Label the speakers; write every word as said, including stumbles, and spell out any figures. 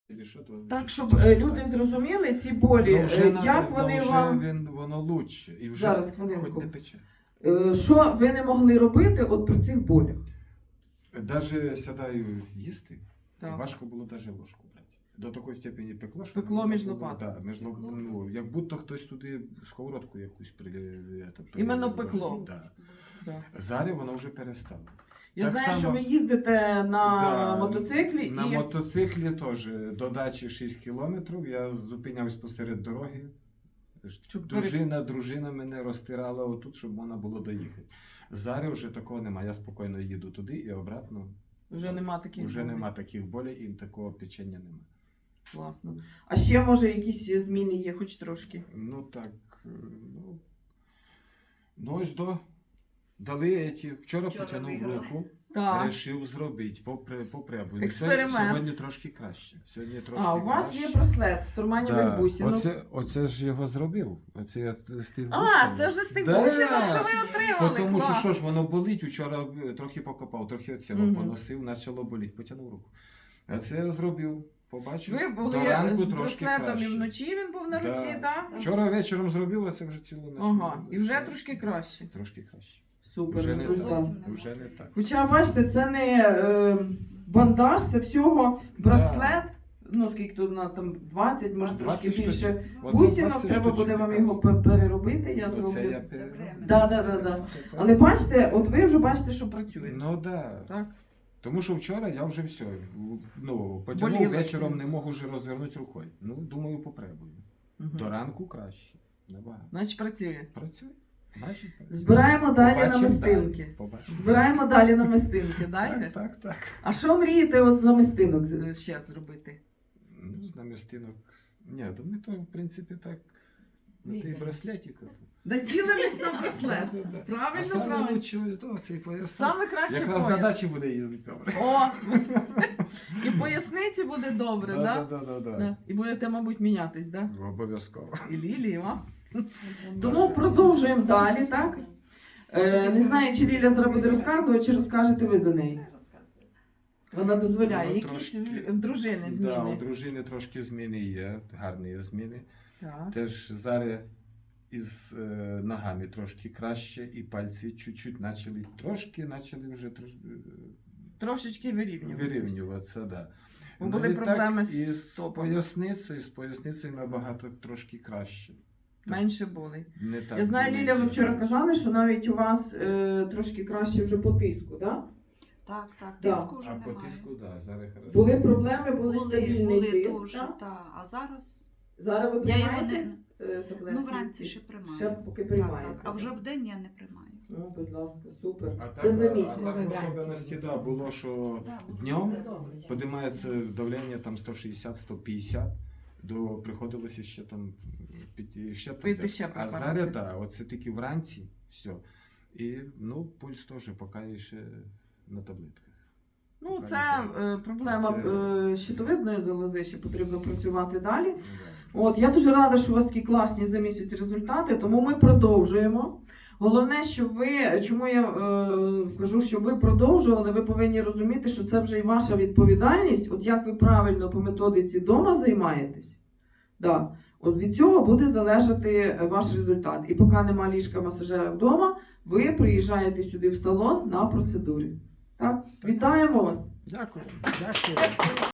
Speaker 1: Так, щоб е, люди зрозуміли ці болі,
Speaker 2: Ну, вже,
Speaker 1: е,
Speaker 2: на-
Speaker 1: як
Speaker 2: ну,
Speaker 1: вони
Speaker 2: вже
Speaker 1: вам...
Speaker 2: він, воно лучше. І вже
Speaker 1: Зараз,
Speaker 2: хоч
Speaker 1: хвилинку.
Speaker 2: не пече.
Speaker 1: Е, Що ви не могли робити от при цих болях?
Speaker 2: Даже сідаю їсти,
Speaker 1: Так.
Speaker 2: важко було даже ложку брати. До такої степені пекло, що...
Speaker 1: Пекло
Speaker 2: воно
Speaker 1: між
Speaker 2: було-
Speaker 1: лопаток.
Speaker 2: Да, між лоп... ну, як будто хтось туди сковородку якусь при... это, при-
Speaker 1: Іменно пекло.
Speaker 2: Да.
Speaker 1: Да.
Speaker 2: Зараз воно вже перестало.
Speaker 1: Я
Speaker 2: Так
Speaker 1: знаю,
Speaker 2: само-
Speaker 1: що ви їздите на
Speaker 2: Да,
Speaker 1: мотоциклі
Speaker 2: На
Speaker 1: і...
Speaker 2: мотоциклі теж до дачі шість кілометрів. Я зупинявся посеред дороги.
Speaker 1: Щоб
Speaker 2: Дружина, дружина мене розтирала отут, щоб можна було доїхати. Зараз вже такого немає. Я спокійно їду туди і обратно.
Speaker 1: Вже нема таких
Speaker 2: Вже
Speaker 1: болей.
Speaker 2: нема таких болей і такого печення нема.
Speaker 1: Класно. А ще, може, якісь зміни є, хоч трошки?
Speaker 2: Ну так. е, Ну, ну ось до. Дали ці. Вчора,
Speaker 3: Вчора
Speaker 2: потягнув
Speaker 3: виграли.
Speaker 2: руку,
Speaker 1: Так.
Speaker 2: вирішив зробити, попри, попребую.
Speaker 1: Експеримент.
Speaker 2: Сьогодні трошки краще. Сьогодні трошки
Speaker 1: А, у вас
Speaker 2: краще.
Speaker 1: є браслет з турманівих бусинок.
Speaker 2: Оце, оце ж його зробив. Оце я з тих
Speaker 1: А,
Speaker 2: бусинок.
Speaker 1: це вже з тих
Speaker 2: Да.
Speaker 1: бусинок, що ви отримали.
Speaker 2: Тому що
Speaker 1: Клас.
Speaker 2: що ж воно болить, вчора трохи покопав, трохи оцього
Speaker 1: Мгм.
Speaker 2: поносив, почало боліти, потягнув руку. А це я зробив, побачив.
Speaker 1: Ви
Speaker 2: до
Speaker 1: були
Speaker 2: ранку
Speaker 1: з
Speaker 2: трошки
Speaker 1: браслетом і
Speaker 2: краще.
Speaker 1: вночі він був на
Speaker 2: Да.
Speaker 1: руці, так?
Speaker 2: Вчора вечором зробив, а це вже цілу ніч.
Speaker 1: Ага, і вже трошки краще.
Speaker 2: Трошки краще.
Speaker 1: Супер
Speaker 2: Вже не
Speaker 1: результат.
Speaker 2: так. Вже не так.
Speaker 1: Хоча, бачите, це не е, бандаж, це всього браслет. Ну, скільки тут на там двадцять, може трошки
Speaker 2: двадцять
Speaker 1: більше
Speaker 2: штучок. Оце
Speaker 1: бусинок,
Speaker 2: двадцять
Speaker 1: треба
Speaker 2: штучок
Speaker 1: буде вам
Speaker 2: якраз.
Speaker 1: його пе- переробити, я
Speaker 2: Оце
Speaker 1: зроблю.
Speaker 2: я
Speaker 3: Це
Speaker 2: пере-
Speaker 3: время.
Speaker 1: Да, да, да, да. Але бачите, от ви вже бачите, що працює.
Speaker 2: Ну да.
Speaker 1: Так?
Speaker 2: Тому що вчора я вже все. Ну, потягнув
Speaker 1: Боліло
Speaker 2: вечором,
Speaker 1: всім.
Speaker 2: не можу вже розвернути рукою. Ну, думаю, попробую.
Speaker 1: Мгм.
Speaker 2: До ранку краще. Набагато.
Speaker 1: Значить, працює.
Speaker 2: Працює. Значить, працює.
Speaker 1: Збираємо далі
Speaker 2: Побачимо
Speaker 1: намистинки.
Speaker 2: далі. Побачимо.
Speaker 1: Збираємо далі намистинки, далі?
Speaker 2: Так, так, так.
Speaker 1: А що мрієте от за намистинок з- ще зробити?
Speaker 2: Ну, з намістинок. Ні, то ми то, в принципі, так. На той браслетик. от.
Speaker 1: Націлились на браслет.
Speaker 2: Да, да, да. А
Speaker 1: Правильно,
Speaker 2: саме
Speaker 1: правильно.
Speaker 2: лучше ось до цей пояс.
Speaker 1: Саме краще
Speaker 2: Якраз на
Speaker 1: пояс.
Speaker 2: дачі буде їздити добре.
Speaker 1: О! І поясниці буде добре,
Speaker 2: Да,
Speaker 1: так?
Speaker 2: да, да, да,
Speaker 1: Да.
Speaker 2: да.
Speaker 1: І будете, мабуть, мінятись, так?
Speaker 2: Обов'язково.
Speaker 1: І Лілі, а? Тому продовжуємо далі, так? Е, не знаю, чи Ліля зараз буде розказувати, чи розкажете ви за неї. Вона дозволяє.
Speaker 2: Ну,
Speaker 1: Якісь
Speaker 2: трошки.
Speaker 1: в- в дружини
Speaker 2: Да, у
Speaker 1: зміни.
Speaker 2: дружини трошки зміни є, гарні є зміни.
Speaker 1: Так.
Speaker 2: Теж зараз із е, ногами трошки краще, і пальці чуть-чуть почали трошки, почали вже трош,
Speaker 1: Трошечки вирівнювати.
Speaker 2: вирівнюватися. Да.
Speaker 1: Бо
Speaker 2: Ну,
Speaker 1: були
Speaker 2: і так,
Speaker 1: проблеми з
Speaker 2: і з
Speaker 1: стопами.
Speaker 2: поясницею, з поясницею набагато трошки краще.
Speaker 1: Менше були.
Speaker 2: Не так
Speaker 1: Я знаю,
Speaker 2: болить.
Speaker 1: Ліля, ви вчора казали, що навіть у вас е, трошки краще вже по тиску, так?
Speaker 3: Так, так,
Speaker 1: Да.
Speaker 3: тиску вже
Speaker 2: А по
Speaker 3: немає.
Speaker 2: тиску, так, да, зараз хорошо.
Speaker 1: Були проблеми, були, стабільний
Speaker 3: були
Speaker 1: тиск.
Speaker 3: дуже,
Speaker 1: так?
Speaker 3: та, а зараз
Speaker 1: Зараз ви
Speaker 3: я його
Speaker 1: приймаєте
Speaker 3: не...
Speaker 1: е, таблетки?
Speaker 3: Ну, вранці ще приймаю.
Speaker 1: Ще поки
Speaker 3: Так,
Speaker 1: приймаєте.
Speaker 3: так. А вже в день я не приймаю.
Speaker 1: Ну, будь ласка, супер.
Speaker 2: А так,
Speaker 1: Це за
Speaker 2: а
Speaker 1: місяць.
Speaker 2: так в особливості, да, було, що днем піднімається давлення там сто шістдесят - сто п'ятдесят, до приходилося ще там піти ще
Speaker 1: Пити
Speaker 2: таблеток.
Speaker 1: ще
Speaker 2: А
Speaker 1: препарати.
Speaker 2: зараз так, оце тільки вранці, все. І ну, пульс теж поки ще на таблетках.
Speaker 1: Ну,
Speaker 2: Поки
Speaker 1: це
Speaker 2: не треба.
Speaker 1: е, проблема
Speaker 2: Це-
Speaker 1: е, щитовидної залози, ще потрібно працювати далі.
Speaker 2: Ну, да.
Speaker 1: От, я дуже рада, що у вас такі класні за місяць результати, тому ми продовжуємо. Головне, щоб ви, чому я е, кажу, щоб ви продовжували, ви повинні розуміти, що це вже і ваша відповідальність, от як ви правильно по методиці вдома займаєтесь. Да. От від цього буде залежати ваш результат. І поки нема ліжка масажера вдома, ви приїжджаєте сюди в салон на процедурі. Так? Вітаємо вас!
Speaker 2: Дякую. Дякую.